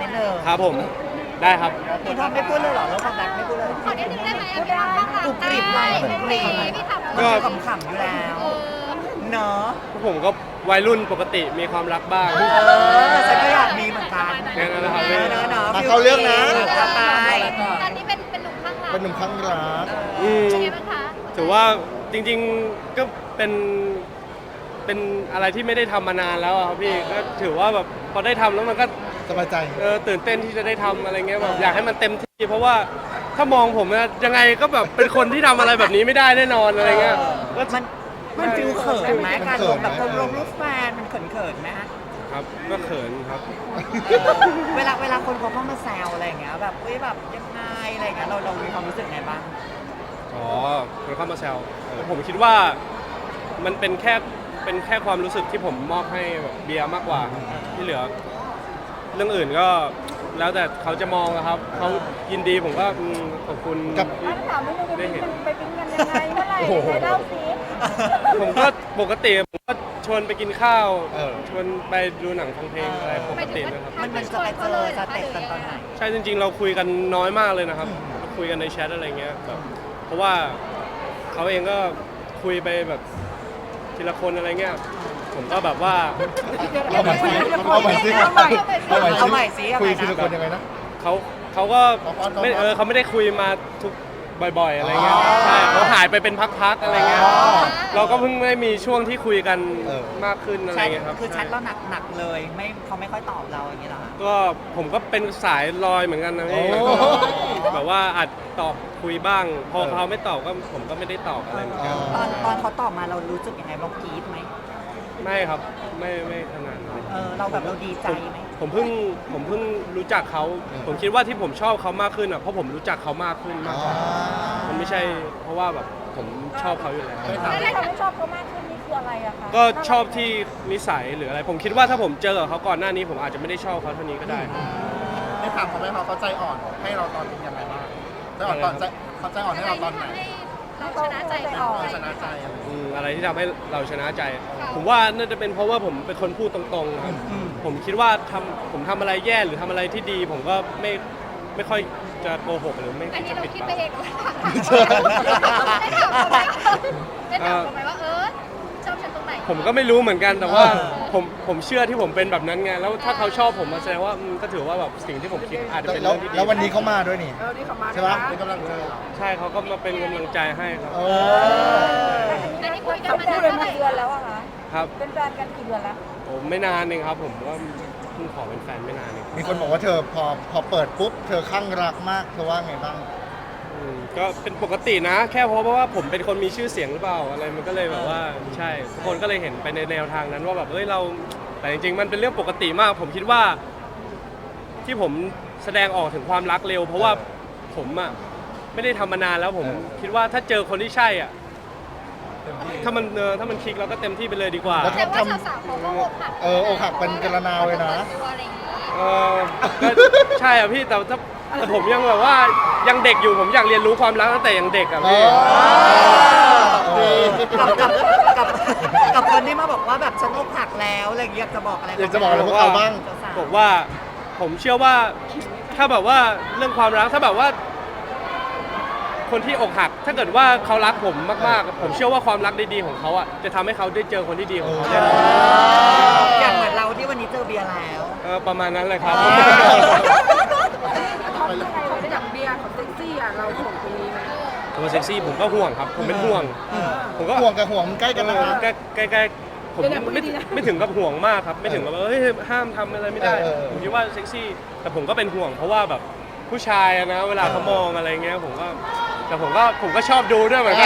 ดนึงครับผมได้ครับพี่ทอมไม่พูดเลยเหรอเรื่องความรักไม่พูดเลยขอนิดนึงได้ไหมพูดได้กรุบกริบเลยกรุบกริบพี่ทำก็ขำๆอยู่แล้วเนาะผมก็วัยรุ่นปกติมีความรักบ้างฉันก็อยากมีเหมือนกันแค่นั้นนะครับเนาะมาเข้าเรื่องนะจะไปตอนนี้เป็นหนุ่มข้างรักเป็นหนุ่มข้างรักอืมเป็นไงบ้างคะถือว่าจริงๆก็เป็นอะไรที่ไม่ได้ทำมานานแล้วอะครับพี่ก็ถือว่าแบบพอได้ทำแล้วมันก็สบายใจตื่นเต้นที่จะได้ทำอะไรเงี้ยแบบอยากให้มันเต็มที่ เพราะว่าถ้ามองผมนะยังไงก็แบบเป็นคนที่ทำอะไรแบบนี้ไม่ได้แน่นอนอะไรเงี้ยก็มันฟิลเขินไหมการลงแบบลงรูปแฟนมันเขินๆไหมฮะครับก็เขินครับเวลาคนเขาเข้ามาแซวอะไรอย่างเงี้ยแบบเฮ้ยแบบยังไงอะไรอย่างเงี้ยเรามีความรู้สึกไงบ้างอ๋อคนเข้ามาแซวผมคิดว่ามันเป็นแค่ความรู้สึกที่ผมมอบให้แบบเบียร์มากกว่าที่เหลือ เรื่องอื่นก็แล้วแต่เขาจะมองอะครับเขายินดีผมก็ขอบคุณกับที่ถามนิดนึงได้เห็นไปปิ้งกันยังไงเมื่อไหร่โอ้โหไหนเล่าสิผมก็ปกติผมก็ชวนไปกินข้าวเออชวนไปดูหนังฟังเพลงอะไรปกตินะครับมันจะไปเจอสเต็ปกันตอนไหนใช่จริงๆ เราคุยกันน้อยมากเลยนะครับเราคุยกันในแชทอะไรเงี้ยแบบเพราะว่าเขาเองก็คุยไปแบบทีละคนอะไรเงี้ยผมก็แบบว่าเอาใหม่สิเอาใหม่สิเอาใหม่เอาใหม่สิคุยเอาใหม่นะทีละคนยังไงนะเขาก็เขาไม่เขาไม่ได้คุยมาทุกบ่อยๆอะไรเงี้ยอ๋อใช่เขาหายไปเป็นพักๆอะไรเงี้ยอ๋อเราก็เพิ่งได้มีช่วงที่คุยกันเออมากขึ้นอะไรใช่เงี้ยครับคือแชทเราหนักเลยไม่เขาไม่ค่อยตอบเราอย่างเงี้ยเหรอคะก็ผมก็เป็นสายลอยเหมือนกันนะพี่โอ้แบบว่าอาจตอบคุยบ้าง พอเขาไม่ตอบก็ผมก็ไม่ได้ตอบอะไรเหมือนกันตอนเขาตอบมาเรารู้สึกยังไงเรากรี๊ดไหมไม่ครับไม่ขนาดนั้นเราแบบเราดีใจไหมผมเพิ่งรู้จักเขา ผมคิดว่าที่ผมชอบเขามากขึ้นอ่ะเพราะผมรู้จักเขามากขึ้นมากกว่ามันไม่ใช่เพราะว่าแบบผมชอบเขาอยู่แล้วแล้วที่ทำให้ชอบเขามากขึ้นนี่คืออะไรอะคะก็ชอบที่นิสัยหรืออะไร ผมคิดว่าถ้าผมเจอกับเขาก่อนหน้านี้ ผมอาจจะไม่ได้ชอบเขาเท่านี้ก็ได้ได้ถามเขาไหมเขาใจอ่อนให้เราตอนยังไงบ้างใจอ่อนตอนใจเขาใจอ่อนให้เราตอนไหนเราชนะใจเราชนะใจอะไรอะไรที่ทำให้เราชนะใจ ผมว่าน่าจะเป็นเพราะว่าผมเป็นคนพูดตรงๆนะครับผมคิดว่าผมทำอะไรแย่หรือทำอะไรที่ดี ผมก็ไม่ค่อยจะโกหกหรือไม่อันนี้จะเราปิดคิดบังไปเองได้ถามเขาไหมว่าชอบฉันตรงไหนผมก็ไม่รู้เหมือนกันแต่ว่าผมเชื่อที่ผมเป็นแบบนั้นไงแล้วถ้าเขาชอบผมมาแสดงว่าก็ถือว่าแบบสิ่งที่ผมคิดอาจจะเป็นแล้วเรื่องที่ดีแล้ววันนี้เขามาด้วยนี่ ใช่ปะเป็นกำลังใจเหรอใช่เขาก็มาเป็นกำลังใจให้ครับอันนี้คุยกันเขามาพูดนาเลยนมาเท่าไหร่เดือนแล้วอะคะครับเป็นแฟนกันกี่เดือนแล้วผมไม่นานเองครับ ผมว่าเพิ่งขอเป็นแฟนไม่นานเองมีคนบอกว่าเธอพอเปิดปุ๊บเธอข้างรักมากเธอว่าไงบ้างก็เป็นปกตินะ แค่เพราะว่าผมเป็นคนมีชื่อเสียงหรือเปล่าอะไรมันก็เลยแบบว่าใช่ทุกคนก็เลยเห็นไปในแนวทางนั้นว่าแบบเราแต่จริงๆมันเป็นเรื่องปกติมาก ผมคิดว่าที่ผมแสดงออกถึงความรักเร็ว เพราะว่าผมอ่ะไม่ได้ทำมานานแล้วผมคิดว่าถ้าเจอคนที่ใช่อ่ะถ้ามันคลิกเราก็เต็มที่ไปเลยดีกว่าแล้วแต่ว่าสาวๆเขาก็อกหักอกหักเป็นกระนาวเลยนะก็ใช่อ่ะพี่แต่ผมยังแบบว่ายังเด็กอยู่ผมอยากเรียนรู้ความรักตั้งแต่ยังเด็กอ่ะพี่กับคนที่มาบอกว่าแบบฉันอกหักแล้วอะไรอย่างเงี้ยอยากจะบอกอะไรอยากจะบอกอะไรพวกเราบ้างบอกว่าผมเชื่อว่าถ้าแบบว่าเรื่องความรักถ้าแบบว่า คนที่อกหัก ถ้าเกิดว่าเขารักผมมากๆ ผมเชื่อว่าความรักดีๆของเขาอ่ะจะทำให้เขาได้เจอคนที่ดีของเขาแน่นอนอย่างเหมือนเราที่วันนี้เจอเบียร์แล้วประมาณนั้นเลยครับเขาเป็นยังไงเขาเป็นอย่างเบียร์เขาเซ็กซี่อะเราห่วงตรงนี้ไหมตัวเซ็กซี่ผมก็ห่วงครับ ผมเป็นห่วง ผมก็ห่วงกับห่วงมันใกล้กันนะใกล้ๆผมไม่ถึงกับห่วงมากครับ ไม่ถึงกับเฮ้ยห้ามทำอะไรไม่ได้ ผมคิดว่าเซ็กซี่ แต่ผมก็เป็นห่วง เพราะว่าแบบผู้ชายอะนะเวลาเขามองอะไรเงี้ยผมก็ชอบดูด้วยเหมือนกัน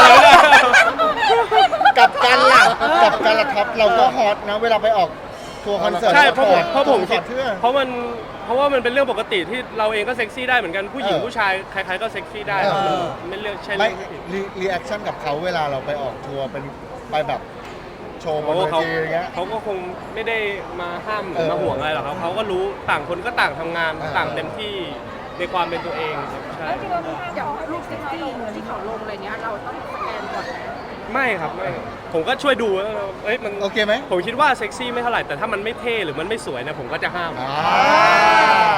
กับกันล่ะครับ เราก็ฮอตนะเวลาไปออกทัวร์คอนเสิร์ตใช่เพราะผมคิดเสื้อเพราะว่ามันเป็นเรื่องปกติที่เราเองก็เซ็กซี่ได้เหมือนกันผู้หญิงผู้ชายใครๆก็เซ็กซี่ได้ครับมันไม่เรื่องใช่ไม่เรื่องที่ผิดรีแอคชั่นกับเขาเวลาเราไปออกทัวร์เป็นไปแบบโชว์บนโอ้เวเขาทีอย่างเงี้ยเขาก็คงไม่ได้มาห้ามหรือมาห่วงอะไรหรอกครับเขาก็รู้ต่างคนก็ต่างทำงานเออต่างเต็มที่ในความเป็นตัวเองครับใช่แล้วจริงๆเรามีห้ามเขาให้ลูกเซ็กซี่ที่เขาลงอะไรเงี้ยเราต้องสแกนก่อนไหมไม่ครับไม่ผมก็ช่วยดูว่ามันโอเคไหมผมคิดว่าเซ็กซี่ไม่เท่าไหร่แต่ถ้ามันไม่เท่หรือมันไม่สวยนะผมก็จะห้ามอ่า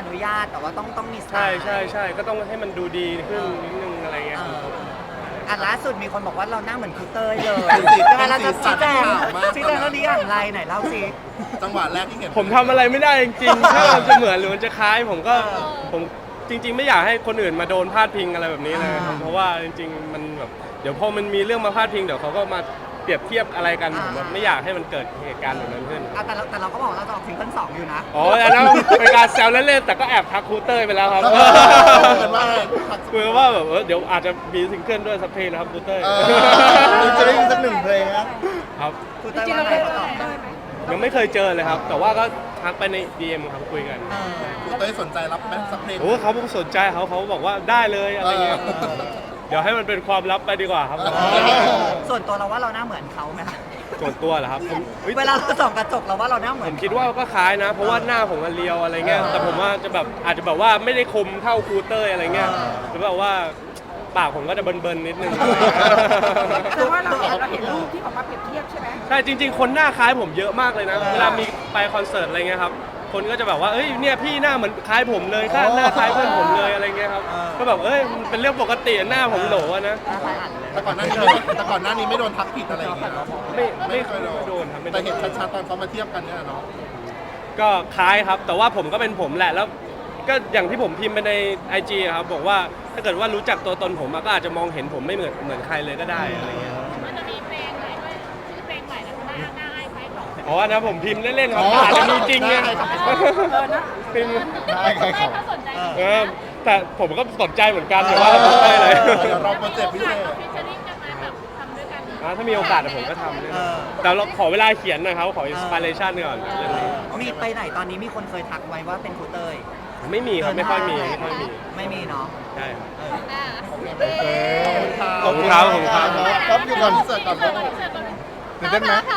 นุญาตแต่ว่าต้องมีสไตใช่ล์ใช่ใช่ก็ต้องให้มันดูดีขึ้นนิดนึงอะไรเงี้ยอ่ะล่าสุดมีคนบอกว่าเราหน้าเหมือนครูเต้ยเลยใช่ไหมเราจะชี้แจงเรื่องนี้อย่างไรไหนเล่าสิจังหวะแรกที่เห็นผมทำอะไรไม่ได้จริงๆ ถ้ามันจะเหมือนหรือมันจะคล้ายผมจริง ๆ ไม่อยากให้คนอื่นมาโดนพาดพิงอะไรแบบนี้เลยครับเพราะว่าจริงๆมันแบบเดี๋ยวพอมันมีเรื่องมาพาดพิงเดี๋ยวเขาก็มาเปรียบเทียบอะไรกันผมแบบไม่อยากให้มันเกิดเหตุการณ์แบบนั้นขึ้นอ่ะแต่เราก็บอกเราจะออกซิงเกิล2อยู่นะอ๋ออันนั้นเป็นการแซวเล่นๆแต่ก็แอบทักครูเต้ยไปแล้วครับเหมือนว่าอะไรคุยว่าแบบเดี๋ยวอาจจะมีซิงเกิลด้วยสักเพลงนะครับครูเต้ยคุณจะได้ยินสักหนึ่งเพลงนะครับครูจเต้ยริงๆว่าเราไงเคยเขาตอบเต้ยไหมยังไม่เคยเจอเลยครับ แต่ว่าก็ทักไปใน DM ครับคุยกันคุณเต้ยสนใจรับไหมสักเพลงโอ้เขาสนใจเขาบอกว่าได้เลยอะไรเงี้ยเดี๋ยวให้มันเป็นความลับไปดีกว่าครับส่วนตัวเราว่าเราหน้าเหมือนเขาไหมคะส่วนตัวเหรอครับผมฮ้ยเวลาเราส่องกระจกเราว่าเราหน้าเหมืผอนมคิดว่าก็คล้ายนะ เพราะว่าหน้าผมมันเรียวอะไรเงี้ยแต่ผมว่าจะแบบอาจจะแบบว่าไม่ได้คมเท่าครูเต้ยอะไรเงี้ยหรือแบบว่าปากผมก็จะเบิร์นๆนิดนึงแต่ว่าเราเห็นรูปที่ออกมาเปรียบเทียบใช่ไหมใช่จริงๆ คนหน้าคล้ายผมเยอะมากเลยนะ เวลามีไปคอนเสิร์ตอะไรเงี้ยครับ คนก็จะแบบว่าเอ้ยเนี่ยพี่หน้าเหมือนคล้ายผมเลยหน้าคล้ายเพื่อนผมเลยอะไรเงี้ยครับ ก็แบบเอ้ยมันเป็นเรื่องปกติหน้าผมโหลอะนะแต่ก่อนหน้านี้ไม่โดนทักผิดอะไรอย่างเงี้ยเนาะไม่เคยโดนครับไม่โดนแต่เห็นชัดๆตอนเขามาเทียบกันเนี่ยเนาะก็คล้ายครับ แต่ว่าผมก็เป็นผมแหละ แล้วก็อย่างที่ผมพิมพ์ไปใน IG อะครับบอกว่าถ้าเกิดว่ารู้จักตัวตนผมอะก็อาจจะมองเห็นผมไม่เหมือนใครเลยก็ได้อะไรเงี้ยมันจะมีเพลงอะไรด้วยชื่อเพลงใหม่แล้วหน้าไอ้ไฟของอ๋อนะผมพิมพ์เล่นๆครับอาจจะมีจริงไงพิมพ์ได้ใครให้ขอเขาสนใจแต่ผมก็สนใจเหมือนกันแต่ว่าไม่ได้เลยเดี๋ยวรอโปรเจกต์พิเศษฟิชเชอริ่งกันมาแบบทำด้วยกันถ้ามีโอกาสผมก็ทำเลยแต่เราขอเวลาเขียนหนะครับขออินสปิเรชันก่อนเรื่องนี้มีไปไหนตอนนี้มีคนเคยทักไว้ว่าเป็นครูเต้ยไม่มีครับไม่ค่อยมีไม่มีเนาะใช่ครับอ่าขอบคุณครับขอบคุณครับครับอยู่ก่อนเสิร์ฟก่อนตื่นเต้นไหม